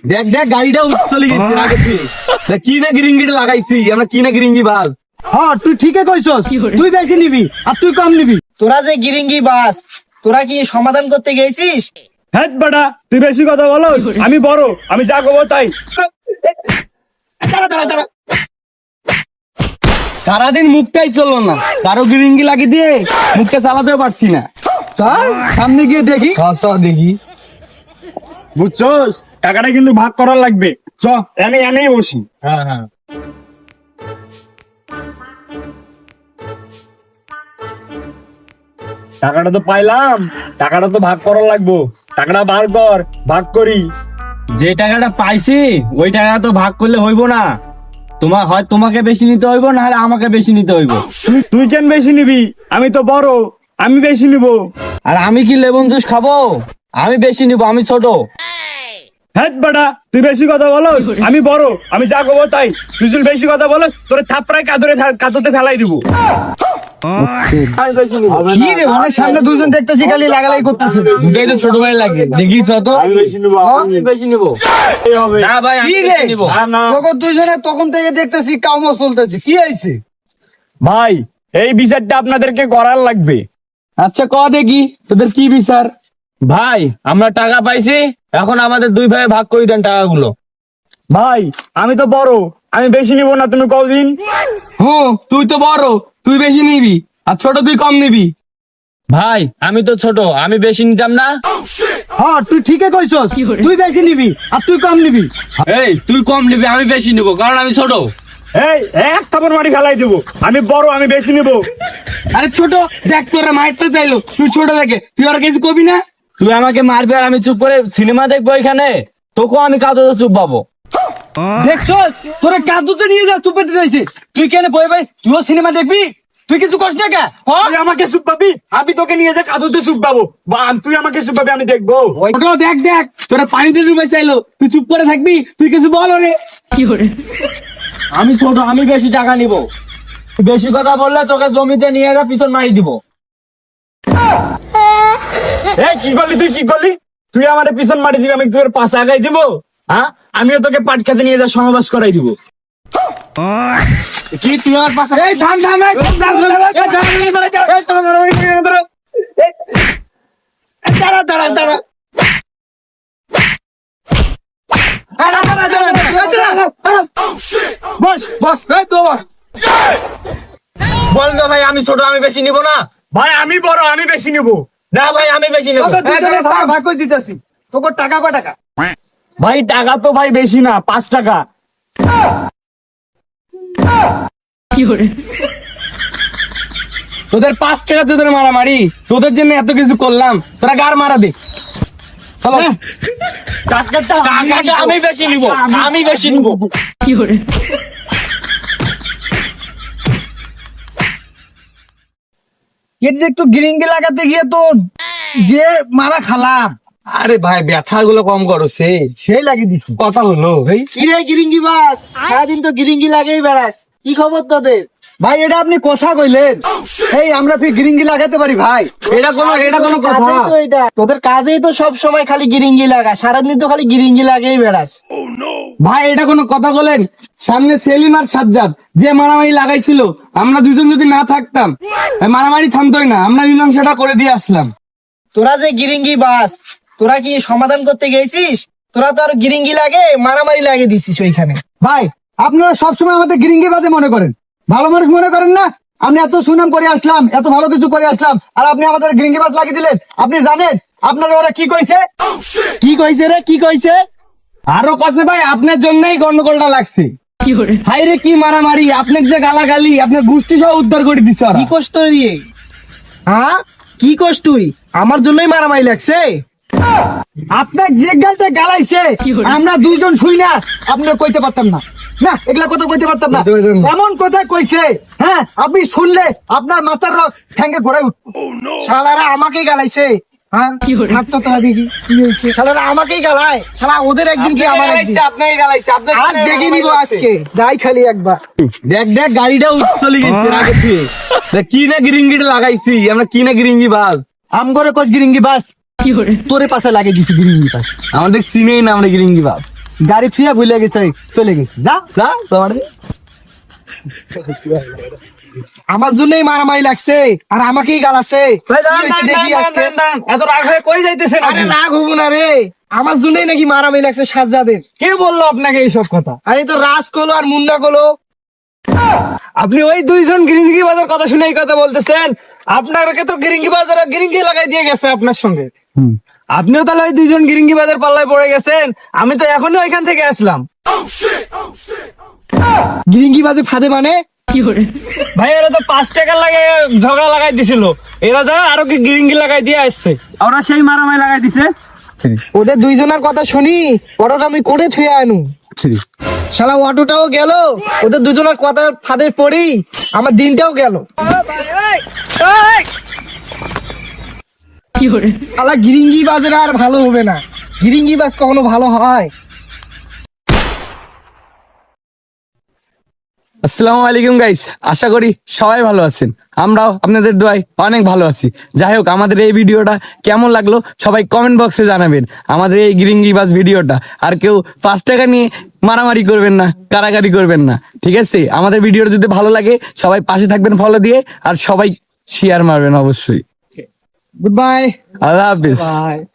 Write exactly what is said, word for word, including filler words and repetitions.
দেখ দেখ গাড়িটা চলে গেছে আগে থেকে। দেখ কি না গিরিঙ্গিটা লাগাইছি আমরা, কি না গিরিঙ্গি বাল। হ্যাঁ তুই ঠিকই কইছস, তুই বেশি নিবি আর তুই কম নিবি। তোরা যে গিরিঙ্গি বাস, তোরা কি সমাধান করতে গেছিস? হ্যাঁ বেটা, তুই বেশি কথা বলো। আমি বড়, আমি যা করবো তাই। দাঁড়া দাঁড়া দাঁড়া, সারাদিন মুখটাই চললো না, কারো গিরিঙ্গি লাগিয়ে দিয়ে মুখটা চালাতেও পারছি না। চল সামনে গিয়ে দেখি। চ চ দেখি। বুঝছস, টাকাটা কিন্তু ভাগ করার লাগবে। চ এনে এনেই বসি। হ্যাঁ হ্যাঁ টাকাটা তো পাইলাম, টাকাটা তো ভাগ করার লাগবো। টাকাটা বার কর, ভাগ করি। যে টাকাটা পাইছি ওই টাকা তো ভাগ করলে হইব না, তোমার হয় তোমাকে বেশি নিতে হইব, না হলে আমাকে বেশি নিতে হইব। তুই তুই কেন বেশি নিবি? আমি তো বড়, আমি বেশি নিব। আর আমি কি লেমন জুস খাবো? আমি বেশি নিব, আমি ছোট। হ্যাঁ বেটা, তুই বেশি কথা বলো। আমি বড়, আমি যা করবো তাই। তুই যদি বেশি কথা বলো, তোর থাপড়ায় কাদরে কাদতে ফেলাই দিব। কি রে, অনেক সামনে দুজন দেখতেছি খালি লাগালাই করতেছে। দুটাই তো ছোট ভাই লাগে, দেখি চ তো। আমি বেশি নিব, আমি বেশি নিব। এই হবে। না ভাই আমি কি রে, বেশি নিব। না, না। তখন দুজনে তখন থেকে দেখতেছি কামো চলতেছে, কি হয়েছে? ভাই, এই বিচারটা আপনাদেরকে করার লাগবে। আচ্ছা ক দেখি তোদের কি বিচার। ভাই আমরা টাকা পাইছি, এখন আমাদের দুই ভাই ভাগ করে দেন টাকাগুলো। ভাই আমি তো বড়, আমি বেশি নিব না। তুমি কদিন? হুম তুই তো বড়, তুই বেশি নিবি, আর ছোট তুই কম নিবি। ভাই আমি তো ছোট, আমি বেশি নিতাম না। হ্যাঁ তুই ঠিকই কইছস, তুই বেশি নিবি আর তুই কম নিবি। এই তুই কম নিবি, আমি বেশি নিব, কারণ আমি ছোট। এই এক থাপড় মারি ফেলাই দেবো। আমি বড়, আমি বেশি নিব। আরে ছোট দেখ, তোরা মারতে চাইলো, তুই ছোট দেখে তুই আর কিছু কবি না। তুই আমাকে মারবি আর আমি চুপ করে সিনেমা দেখবো এখানে, তোকেও আমি কাঁদতে চুপ পাবো। দেখছস তোরে কাদুতে নিয়ে যা, চুপেতে যাইছে। তুই কেন বই ভাই, তুইও সিনেমা দেখবি? তুই কিছু কষ্ট না কে? তুই আমাকে চুপ পাবি, আমি তোকে নিয়ে যা কাদুতে চুপ পাবো। বা তুই আমাকে চুপ পাবি, আমি দেখবো। ছোট দেখ দেখ, তোরা পানিতে ডুবে চাইলো, তুই চুপ করে থাকবি, তুই কিছু বল রে। আমি ছোট, আমি বেশি টাকা নিব। তুই বেশি কথা বললে তোকে জমিতে নিয়ে যা পিছন মারি দিব। এই কি করলি তুই, কি করলি? তুই আমার পিছন মারি দিবি, আমি তোর পাশে আগাই দিব? হ্যাঁ, আমিও তোকে পাট খেতে নিয়ে যা সমাবেশ করাই দিব। কি তুই আমার পাশে? এই থাম থাম, এই দাঁড়া দাঁড়া দাঁড়া। দাঁড়া, দাঁড়া, দাঁড়া, দাঁড়া, দাঁড়া, দাঁড়া। বস বস এই তো বস। বল তো ভাই, আমি ছোট, আমি বেশি নিব না। ভাই আমি বড়, আমি বেশি নিব। না ভাই আমি বেশি নেব। তোকে দুজনে ভাগ ভাগ করে দিতেছি। তোকে টাকা কয় টাকা? ভাই টাকা তো ভাই বেশি না, পাঁচ টাকা। তোদের পাঁচ টাকা তোদের মারামারি, তোদের জন্য এত কিছু করলাম, তোরা গার মারা দে। চলো। টাকাটা টাকাটা আমি বেশি নিব, আমি বেশি নিব। এর একটু গিরিঙ্গি লাগাতে গিয়ে তো যে মারা খালাম, আরে ভাই ব্যথা গুলো কম করো, সে সেই লাগিয়ে দিছি। কথা হলো ভাই। কি রে গিরিঙ্গি বাস, সারাদিন তো গিরিঙ্গি লাগেই বেড়াস, কি খবর তোদের? ভাই এটা আপনি কথা কইলেন, এই আমরা ফির গিরিঙ্গি লাগাতে পারি ভাই? এটা কোনো এটা কোনো কথা? কাজেই তো এটা, তোদের কাজেই তো সব সময় খালি গিরিঙ্গি লাগা, সারাদিন তো খালি গিরিঙ্গি লাগেই বেড়াস। ভাই এটা কোনো কথা বলেন? সামনে সেলিম আর সাজ্জাদ যে মারামারি লাগাইছিল, আমরা দুজন যদি না থাকতাম এই মারামারি থামতোই না, আমরা মীমাংসাটা করে দিয়ে আসলাম। তোরা যে গিরিঙ্গি বাস, তোরা কি সমাধান করতে গেছিস? তোরা তো আর গিরিঙ্গি লাগে মারামারি লাগে দিছিস ওইখানে। ভাই আপনারা সবসময় আমাদের গিরিঙ্গি বাদে মনে করেন, ভালো মানুষ মনে করেন না। আমি এত সুনাম করে আসলাম, এত ভালো কিছু করে আসলাম, আর আপনি আমাদের গিরিঙ্গি বাজ লাগিয়ে দিলেন। আপনি জানেন আপনারা ওরা কি কইছে? কি কইছে রে, কি কইছে? আরো কষে ভাই, আপনার জন্যই গন্ডগোলটা লাগছে। হাই রে কি মারামারি, আপনাকে যে গালাগালি, আপনার গোষ্ঠী সহ উদ্ধার করে দিচ্ছে ওরা। কি কোস তুই? হ্যাঁ কি কোস তুই? আমার জন্যই মারামারি লাগছে? আপনার যে গালটা গালাইছে আমরা দুইজন শুই না, আপনার কইতে পারতাম না। না এগুলা কথা কইতে পারতাম না, এমন কথা কইছে। হ্যাঁ আপনি শুনলে আপনার মাথার রক ঠ্যাঙ্গে ঘোরায় উঠতো। শালারা আমাকেই গালাইছে। হ্যাঁ থাকতো তোরা দেখি কি হয়েছে। শালারা আমাকেই গালায়, শালা ওদের একদিন কি আমার একদিন। আপনাকে গালাইছে, আপনাকে আজ দেখে নিব, আজকে যাই খালি একবার। দেখ দেখ গাড়িটাও চলে গেছে আগে থেকে। দেখ কি না গিরিঙ্গিটা লাগাইছি আমরা, কি না গিরিঙ্গি বাল। আম করে কোচ গিরিঙ্গি বাস তোরে পাশে লাগিয়ে দিছি গিরিঙ্গি বাস। আমাদের চিনেই না আমরা গিরিঙ্গি বাল। গাড়ি ছুঁয়ে ভুলে গেছে চলে গেছে যা যা তোমার আমার জন্যই মারামারি লাগছে আর আমাকেই গালাছে কি হয়েছে দেখি আজকে। এত রাগ হয়ে কই যাইতেছেন আরে রাগ হবো না রে, আমার জন্যই নাকি মারামারি লাগছে সাজ্জাদের। কে বললো আপনাকে এইসব কথা? আরে তো রাজ কলো আর মুন্না কলো। আপনি ওই দুইজন গিরিঙ্গি বাজার কথা শুনে এই কথা বলতেছেন? আপনাকে তো গিরিঙ্গি বাজার গিরিঙ্গি লাগাই দিয়ে গেছে আপনার সঙ্গে। আপনিও তাহলে ওই দুইজন গিরিঙ্গি বাজার পাল্লায় পড়ে গেছেন। আমি তো এখনই ওইখান থেকে আসলাম। গিরিঙ্গি বাজে ফাঁদে মানে ভাই এরা তো পাঁচ টাকা লাগে ঝগড়া লাগাই দিছিল, এরা যা আরো কি গিরিঙ্গি লাগাই দিয়ে আসছে, ওরা সেই মারামারি লাগাই দিছে। ওদের দুইজনের কথা শুনি অটোটা আমি করে ছুঁয়ে আনু। শালা অটোটাও গেল, ওদের দুজনের কথা ফাঁদে পড়ি আমার দিনটাও গেল। শালা গিরিঙ্গি বাজের আর ভালো হবে না, গিরিঙ্গি বাজ কখনো ভালো হয়? আসসালামু আলাইকুম গাইস, আশা করি সবাই ভালো আছেন। আমরাও আপনাদের দোয়ায় অনেক ভালো আছি। যাই হোক, আমাদের এই ভিডিওটা কেমন লাগলো সবাই কমেন্ট বক্সে জানাবেন। আমাদের এই গিরিঙ্গি বাজ ভিডিওটা আর কেউ পাঁচ টাকা নিয়ে মারামারি করবেন না, কারাকারি করবেন না, ঠিক আছে? আমাদের ভিডিওটা যদি ভালো লাগে সবাই পাশে থাকবেন ফলো দিয়ে, আর সবাই শেয়ার মারবেন অবশ্যই। Goodbye. আল্লাহ হাফিজ।